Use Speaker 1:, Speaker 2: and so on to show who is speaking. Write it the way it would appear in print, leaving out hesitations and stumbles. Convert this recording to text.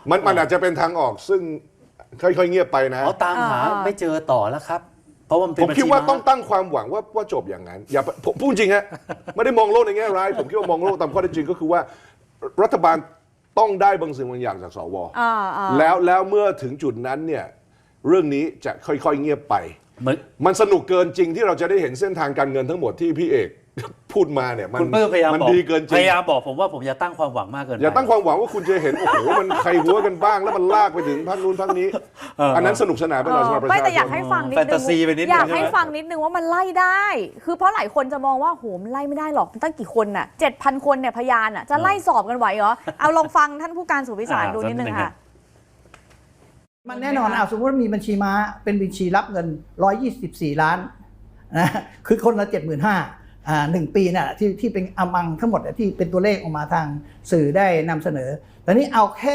Speaker 1: มันอาจจะเป็นทางออกซึ่งค่อยๆเงียบไปนะ
Speaker 2: เขาตามหาไม่เจอต่อแล้วครับเพราะว่า
Speaker 1: ผมคิดว่าต้องตั้งความหวังว่าจบอย่างนั้นอย่าผมพูดจริงฮะไม่ได้มองโลกในแง่ร้ายผมคิดว่ามองโลกตามข้อเท็จจริงก็คือว่ารัฐบาลต้องได้บางสิ่งบางอย่างจากสวแล้วเมื่อถึงจุดนั้นเนี่ยเรื่องนี้จะค่อยๆเงียบไปมันสนุกเกินจริงที่เราจะได้เห็นเส้นทางการเงินทั้งหมดที่พี่เอกพูดมาเนี่ยมันดีเกินจริง
Speaker 2: พยายามบอกผมว่าผมอย่าตั้งความหวังมากเกิน
Speaker 1: อย่าตั้งความหวังว่าคุณจะเห็นโอ้โหมันใครหัวกันบ้างแล้วมันลากไปถึงพักนู้นพักนี้อันนั้นสนุกสนานไปหน่อยสำหรับประชาชน
Speaker 3: ไม่แต่อยากให้ฟังนิดนึงอยากให้ฟังนิดนึงว่ามันไล่ได้คือเพราะหลายคนจะมองว่าโหมันไล่ไม่ได้หรอกตั้งกี่คนน่ะ 7,000 คนเนี่ยพยานอ่ะจะไล่สอบกันไหวเหรอเอาลองฟังท่านผู้การสุวิสารดูนิดนึงค่ะ
Speaker 4: มันแน่นอนสมมติว่ามีบัญชีม้าเป็นบัญชีรับเงิน124 ล้านนะคือคนละ75,000 1 ปีน่ะที่เป็นอมังทั้งหมดที่เป็นตัวเลขออกมาทางสื่อได้นำเสนอแต่นี้เอาแค่